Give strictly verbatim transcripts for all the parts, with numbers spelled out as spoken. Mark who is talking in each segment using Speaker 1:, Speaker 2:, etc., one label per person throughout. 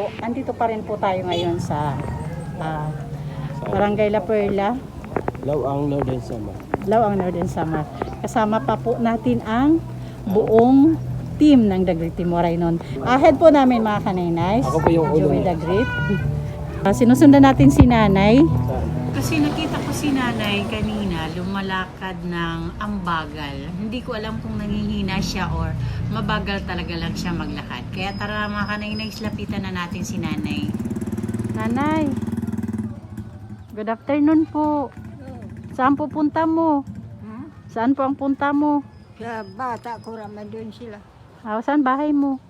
Speaker 1: po, andito pa rin po tayo ngayon sa uh, Barangay La Perla,
Speaker 2: Lawang Northern Samar.
Speaker 1: Lawang Northern Samar. Kasama pa po natin ang buong team ng The Great Team Waray nun. Ahead po namin mga kanaynay.
Speaker 2: Ako po yung ulo
Speaker 1: Joey
Speaker 2: niya.
Speaker 1: The Great. Uh, sinusundan natin si nanay.
Speaker 2: Saan?
Speaker 1: Kasi nakita ko si nanay kanina lumalakad ng ambagal. Hindi ko alam kung nangihina siya or mabagal talaga lang siya maglakad. Kaya tara mga kanaynay, lapitan na natin si nanay. Nanay, good afternoon po. Saan po punta mo?
Speaker 3: Hmm?
Speaker 1: Saan po ang punta mo?
Speaker 3: Sa bata ko raman doon sila.
Speaker 1: Ah, saan bahay mo?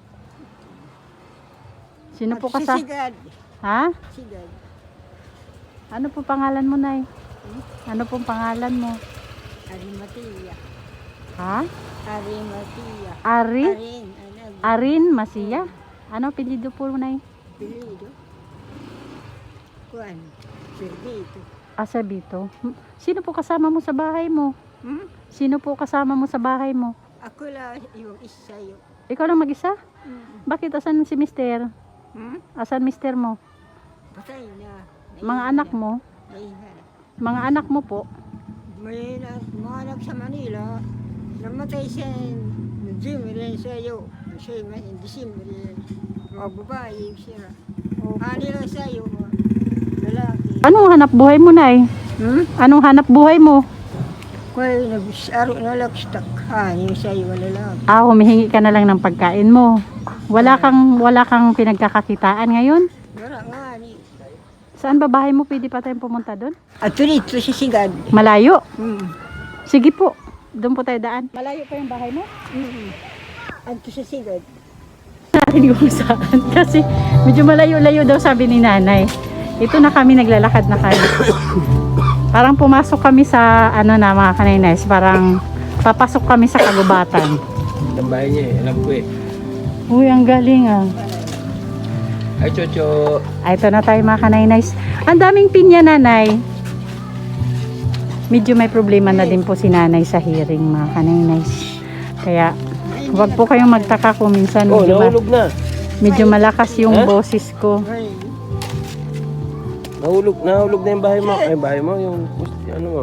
Speaker 1: Sino po ka sa...
Speaker 3: Sigad.
Speaker 1: Ha?
Speaker 3: Sigad.
Speaker 1: Ano po pangalan mo, Nay? Ano pong pangalan mo?
Speaker 3: Arimatia.
Speaker 1: Ha?
Speaker 3: Arimatia.
Speaker 1: Ari?
Speaker 3: Arin. Ano?
Speaker 1: Arin Masiya? Ano apelyido po, Nay?
Speaker 3: Pilido. Kuan. Servito.
Speaker 1: Asabito. Sino po kasama mo sa bahay mo?
Speaker 3: Hmm?
Speaker 1: Sino po kasama mo sa bahay mo?
Speaker 3: Ako lang yung isa yun.
Speaker 1: Ikaw lang mag-isa?
Speaker 3: Hmm?
Speaker 1: Bakit asan si mister?
Speaker 3: Hmm?
Speaker 1: Asan mister mo?
Speaker 3: Patay na.
Speaker 1: Mga anak mo?
Speaker 3: Naihan.
Speaker 1: Mga anak mo po?
Speaker 3: May na, mga anak sa Manila. Namatay siya ng Jim rin sa'yo. Siya may December rin. Mga babae siya. Hani lang sa'yo. Mga lalaki.
Speaker 1: Anong hanap buhay mo, Nay?
Speaker 3: Hmm?
Speaker 1: Anong hanap buhay mo?
Speaker 3: Kaya nag-aro na lang stuck. Hani sa'yo wala lang.
Speaker 1: Ah, humihingi ka na lang ng pagkain mo. Wala kang wala kang pinagkakakitaan ngayon?
Speaker 3: Wala nga ni.
Speaker 1: Saan ba bahay mo? Pwede pa tayong pumunta doon?
Speaker 3: At dito sa Sigad.
Speaker 1: Malayo.
Speaker 3: Hmm.
Speaker 1: Sige po. Doon po tayo daan. Malayo pa yung bahay mo?
Speaker 3: Hmm. At sa Sigad.
Speaker 1: Hindi ko saan. Kasi medyo malayo-layo daw sabi ni nanay. Ito na kami, naglalakad na kami. Parang pumasok kami sa ano na mga kaninays. Parang papasok kami sa kagubatan.
Speaker 2: Ang bahay niya eh. Alam ko eh.
Speaker 1: Uy, ang galing ah.
Speaker 2: Ay, Chocho.
Speaker 1: Ay, ito na tayo mga kaninays. Ang daming pinya, nanay. Medyo may problema na din po si nanay sa hearing mga kaninays. Kaya huwag po kayong magtaka kung minsan
Speaker 2: Oh,
Speaker 1: medyo, ma-
Speaker 2: nahulog na.
Speaker 1: medyo malakas yung
Speaker 2: Ha?
Speaker 1: boses ko.
Speaker 3: Ay.
Speaker 2: Nahulog, nahulog na yung bahay mo. Ay, bahay mo. Yung, ano mo.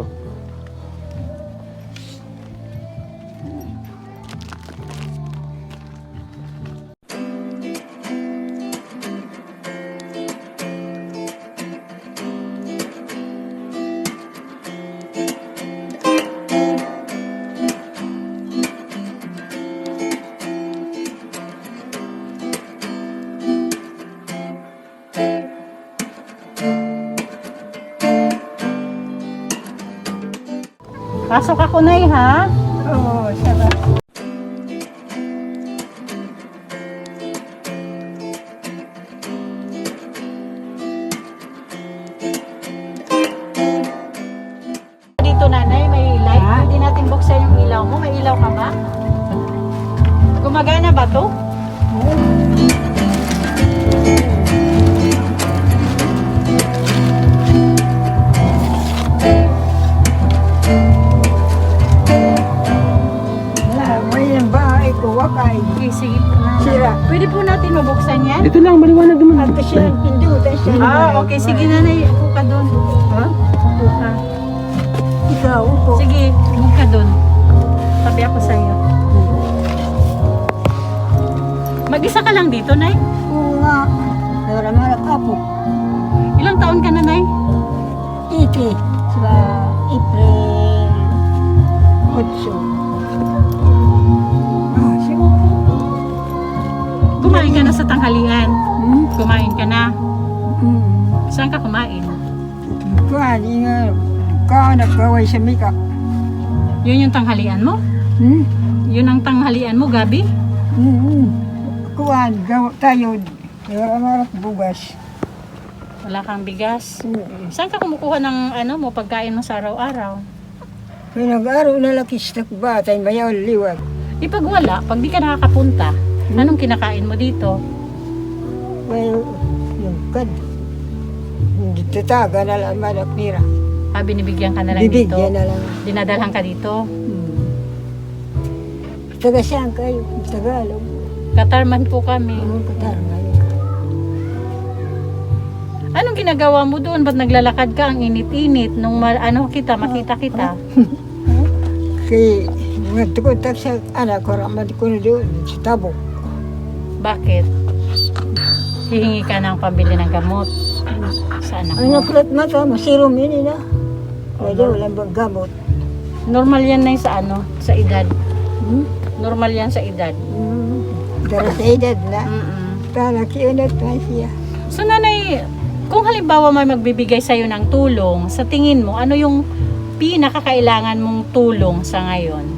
Speaker 1: Pasok ako, Nay, ha?
Speaker 3: Oo, sarap.
Speaker 1: Dito, nanay, may light.
Speaker 3: Ha?
Speaker 1: Hindi natin buksan yung ilaw mo. May ilaw ka ba? Gumagana ba to?
Speaker 3: Wala, may yung bahay ko, wakay.
Speaker 1: Okay, sige po, nanay.
Speaker 3: Sira.
Speaker 1: Pwede po natin mabuksan yan?
Speaker 2: Dito lang, maliwanag naman.
Speaker 3: At siya, pindutan siya.
Speaker 1: Ah, okay. Sige, nanay. Upo ka doon.
Speaker 3: Ha?
Speaker 1: Upo ka.
Speaker 3: Ikaw, upo.
Speaker 1: Sige, upo ka doon. Tabi ako sa iyo. Mag-isa ka lang dito, Nay?
Speaker 3: Oo nga. Wala malak apo.
Speaker 1: Ilang taon ka na, Nay?
Speaker 3: Iti. Sa April otso. Ah, siya.
Speaker 1: Kumain ka na sa tanghalian.
Speaker 3: Hmm?
Speaker 1: Kumain ka na.
Speaker 3: Hmm.
Speaker 1: Saan ka kumain?
Speaker 3: Kuhani nga. Ka nagkaway sa mika.
Speaker 1: Yun yung tanghalian mo?
Speaker 3: Hmm?
Speaker 1: Yun ang tanghalian mo, Gabi?
Speaker 3: Hmm. Kuhan, gawa tayo. Wala malak bugas.
Speaker 1: Wala kang bigas.
Speaker 3: Hmm.
Speaker 1: Saan ka kumukuha ng ano mo, pagkain mo sa araw-araw?
Speaker 3: Pinag-aro na lakis na batay, mayaw liwag.
Speaker 1: Di pag wala, pag di ka nakakapunta, anong kinakain mo dito?
Speaker 3: May yung kad. Hindi tataga na lang malak nira.
Speaker 1: Ah, binibigyan ka na lang dito?
Speaker 3: Bibigyan na lang.
Speaker 1: Dinadalhan ka dito?
Speaker 3: Hmm. Taga saan kayo? Tagalog.
Speaker 1: Katarman po kami.
Speaker 3: Anong katar ngayon?
Speaker 1: Anong ginagawa mo doon? Ba't naglalakad ka? Ang init-init. Nung ma- ano kita, makita kita.
Speaker 3: Kaya nagtukontak sa anak ko, ramad ko na doon sa tabo.
Speaker 1: Bakit? Hihingi ka ng pambili ng gamot sa anak
Speaker 3: Ang
Speaker 1: mo.
Speaker 3: nakulat mata, masirom yun na. Pwede walang bang gamot.
Speaker 1: Normal yan na sa ano, sa edad.
Speaker 3: Hmm?
Speaker 1: Normal yan sa edad.
Speaker 3: Hmm. Dara sa edad na.
Speaker 1: Mm-mm.
Speaker 3: Tala kiyunat pa siya.
Speaker 1: So nanay, kung halimbawa may magbibigay sa'yo ng tulong, sa tingin mo, ano yung pinakakailangan mong tulong sa ngayon?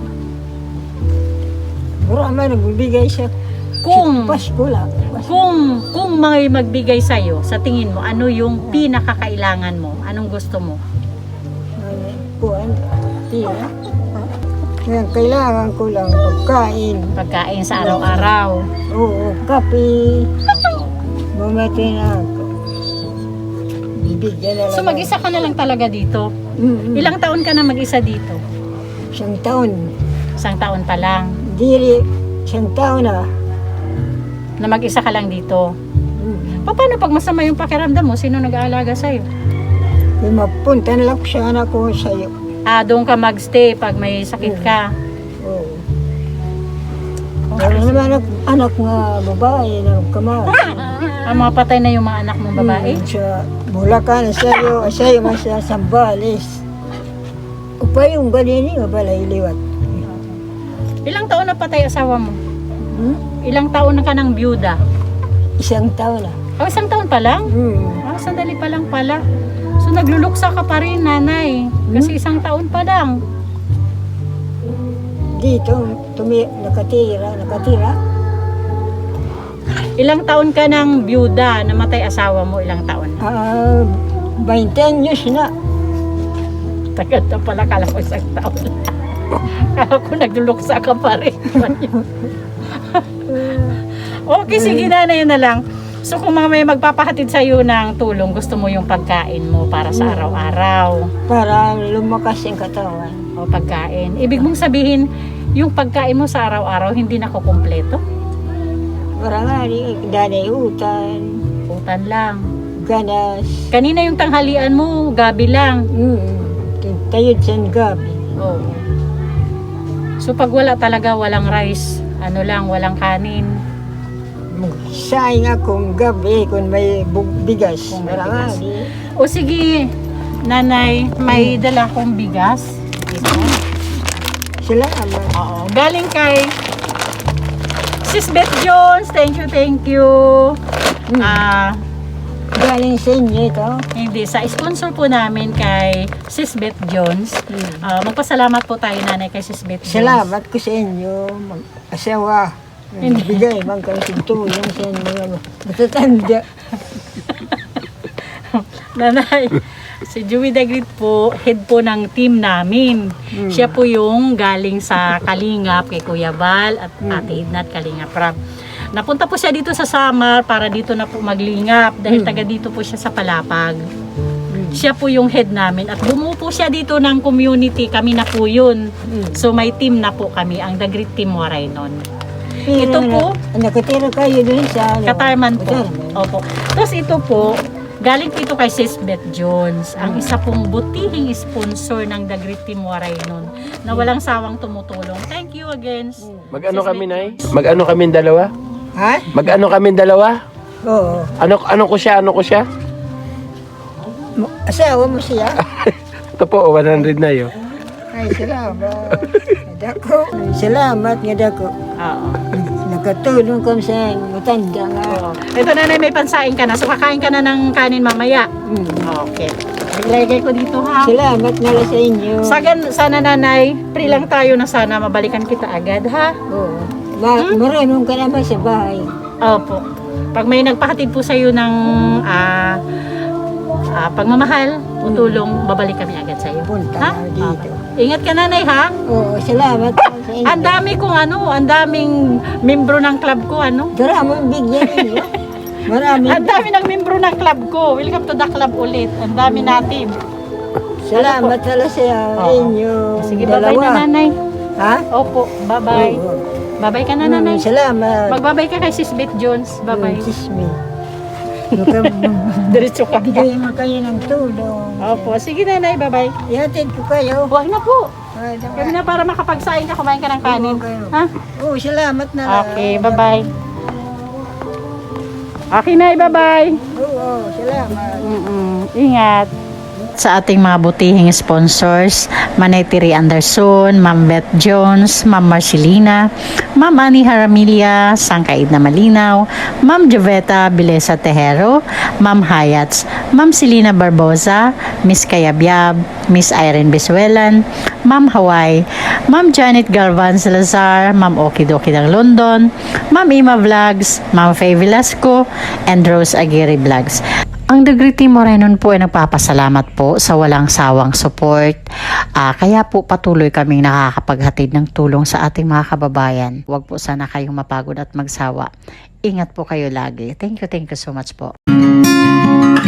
Speaker 3: Marami nagbibigay siya.
Speaker 1: Kung
Speaker 3: Pasko lang. Pasko.
Speaker 1: kung kung may magbigay sa'yo, sa tingin mo, ano yung pinakakailangan mo? Anong gusto mo?
Speaker 3: Ay, kuwan. Tira. Kaya kailangan ko lang pagkain.
Speaker 1: Pagkain sa araw-araw.
Speaker 3: Oo, kape. Mamati na ako. Bibigyan na lang.
Speaker 1: So mag-isa ka na lang talaga dito.
Speaker 3: Mm-mm.
Speaker 1: Ilang taon ka na mag-isa dito?
Speaker 3: Isang taon.
Speaker 1: Isang taon pa lang
Speaker 3: Diri, isang taon na.
Speaker 1: na mag-isa ka lang dito.
Speaker 3: Mm.
Speaker 1: Pa- Paano pag masama yung pakiramdam mo? Sino nag-aalaga sa'yo?
Speaker 3: May mapunta na lang ko sa anak ko sa'yo.
Speaker 1: Ah, doon ka magstay pag may sakit ka.
Speaker 3: Oo. Wala naman anak, anak nga babae na kamay.
Speaker 1: Ang mga patay na yung mga anak mong babae.
Speaker 3: Mm, sa Bulacan, sa'yo, sa'yo man sa Sambales. Upay yung ganini nga balay liwat.
Speaker 1: Ilang taon na patay asawa mo?
Speaker 3: Hmm?
Speaker 1: Ilang taon na ka ng byuda?
Speaker 3: Isang taon na.
Speaker 1: Oh, isang taon pa lang?
Speaker 3: Hmm.
Speaker 1: Ah, sandali pa lang pala. So nagluluksa ka pa rin, nanay. Kasi isang taon pa lang.
Speaker 3: Dito, tumi, nakatira, nakatira.
Speaker 1: Ilang taon ka ng byuda, namatay asawa mo, ilang taon?
Speaker 3: Ah, twenty anyos na.
Speaker 1: Tagal na pala, kala ko isang taon. Kala ko nagluluksa ka pa rin. Okay, sige na, yun na lang. So kung mga may magpapahatid sa'yo ng tulong, gusto mo yung pagkain mo para sa araw-araw.
Speaker 3: Para lumakas yung katawan.
Speaker 1: O pagkain. Ibig mong sabihin, yung pagkain mo sa araw-araw, hindi nakukumpleto?
Speaker 3: Para nga, di- danay utan,
Speaker 1: Utan lang.
Speaker 3: ganas.
Speaker 1: Kanina yung tanghalian mo, gabi lang.
Speaker 3: Hmm. Tayod sa gabi.
Speaker 1: Oo. So pag wala talaga, walang rice, ano lang, walang kanin.
Speaker 3: Sayang akong gabi kung may bu- bigas.
Speaker 1: Kung may
Speaker 3: Para nga,
Speaker 1: bigas.
Speaker 3: di.
Speaker 1: O sige, nanay, may dala kong bigas. Ito.
Speaker 3: Sila naman.
Speaker 1: Oo. Galing kay Sis Beth Jones. Thank you, thank you.
Speaker 3: Hmm.
Speaker 1: Ah,
Speaker 3: Galing sa inyo ito.
Speaker 1: hindi, sa sponsor po namin kay Sis Beth Jones.
Speaker 3: Hmm.
Speaker 1: Ah, magpasalamat po tayo, nanay, kay Sis Beth Jones.
Speaker 3: Salamat ko sa inyo, mag-asawa.
Speaker 1: Hindi.
Speaker 3: Bigay, bang kayo tulong sa inyo. Matatanda.
Speaker 1: Nanay, si Joey Dagrit po, head po ng team namin.
Speaker 3: Hmm.
Speaker 1: Siya po yung galing sa Kalingap kay Kuya Bal at
Speaker 3: Hmm.
Speaker 1: Ate Ednat Kalingap Rab. Napunta po siya dito sa Samar para dito na po maglingap dahil
Speaker 3: Hmm.
Speaker 1: taga dito po siya sa Palapag.
Speaker 3: Hmm.
Speaker 1: Siya po yung head namin at bumuo po siya dito ng community, kami na po yun.
Speaker 3: Hmm.
Speaker 1: So may team na po kami, ang Dagrit Team Waray nun.
Speaker 3: Pero
Speaker 1: Ito po,
Speaker 3: na- nakatira kayo dun sa ano?
Speaker 1: Katarman po.
Speaker 3: Katarman.
Speaker 1: Opo. Tapos ito po, galing po ito kay Sis Beth Jones, ang isa pong butihing sponsor ng Dagrit Team Waray nun, na walang sawang tumutulong. Thank you again.
Speaker 2: Mag-ano
Speaker 1: Sis
Speaker 2: kami,
Speaker 1: Beth
Speaker 2: Nay?
Speaker 1: Jones.
Speaker 2: Mag-ano kami dalawa?
Speaker 3: Ha?
Speaker 2: Mag-ano kami dalawa?
Speaker 3: Oo.
Speaker 2: Ano ano ko siya? Ano ko siya?
Speaker 3: Mo- Asawa mo siya?
Speaker 2: Ito po, one hundred na yun.
Speaker 3: Ay, salamat. Dako. Salamat nga dako.
Speaker 1: Oo.
Speaker 3: Nakatulong kami sa matanda nga.
Speaker 1: Oo. Ito, nanay, may pansain ka na. So kakain ka na ng kanin mamaya.
Speaker 3: Hmm.
Speaker 1: Okay. Ilagay ko dito, ha.
Speaker 3: Salamat nga lang sa inyo.
Speaker 1: Sagan, sana, nanay, free lang tayo na sana mabalikan kita agad, ha.
Speaker 3: Oo. Ma- Marunong ka naman sa bahay.
Speaker 1: Opo. Pag may nagpahatid po sa iyo ng ah, ah, pagmamahal o tulong, babalik kami agad sa iyo.
Speaker 3: Punta
Speaker 1: Ha?
Speaker 3: na dito.
Speaker 1: Okay. Ingat ka, nanay, ha?
Speaker 3: Oo, salamat nga sa inyo.
Speaker 1: Ang dami kong ano, ang daming membro ng club ko, ano?
Speaker 3: Dara mo bigyan ninyo. Marami.
Speaker 1: Ang dami ng membro ng club ko. Welcome to the club ulit. Ang dami natin.
Speaker 3: Salamat pala sa
Speaker 1: Oo.
Speaker 3: inyo.
Speaker 1: Sige, bye-bye na,
Speaker 3: dalawa.
Speaker 1: nanay.
Speaker 3: Ha?
Speaker 1: Opo, bye-bye.
Speaker 3: Oo.
Speaker 1: Bye-bye ka na,
Speaker 3: Mm,
Speaker 1: nanay.
Speaker 3: Salamat.
Speaker 1: Magbabay ka kay Sis Beth Jones. Bye-bye.
Speaker 3: Mm, kiss me. Baka
Speaker 1: Diretso ka.
Speaker 3: bigyan mo kayo ng tulong.
Speaker 1: Opo, sige nanay, bye-bye.
Speaker 3: Ihatid ko kayo.
Speaker 1: Huwag na po.
Speaker 3: Ah,
Speaker 1: Kami na para makapagsaing ka, kumain ka ng kanin.
Speaker 3: Oo, kayo.
Speaker 1: Ha?
Speaker 3: Oo, salamat na lang.
Speaker 1: Okay, bye-bye. Okay na, bye-bye.
Speaker 3: Oo, salamat.
Speaker 1: Mm-mm. Ingat. Sa ating mga butihing sponsors, Manay Tiri Anderson, Ma'am Beth Jones, Ma'am Marcelina, Ma'am Annie Haramilia, Sangkaid na Malinaw, Ma'am Joveta Bilesa Tejero, Ma'am Hayats, Ma'am Selina Barboza, Miss Kayabyab, Miss Irene Bisuelan, Ma'am Hawaii, Ma'am Janet Galvan Salazar, Ma'am Okidoki ng London, Ma'am Ima Vlogs, Ma'am Faye Velasco, and Rose Aguirre Vlogs. Ang Degree Team Morenon po ay nagpapasalamat po sa walang sawang support. Ah, kaya po patuloy kaming nakakapaghatid ng tulong sa ating mga kababayan. Huwag po sana kayong mapagod at magsawa. Ingat po kayo lagi. Thank you, thank you so much po.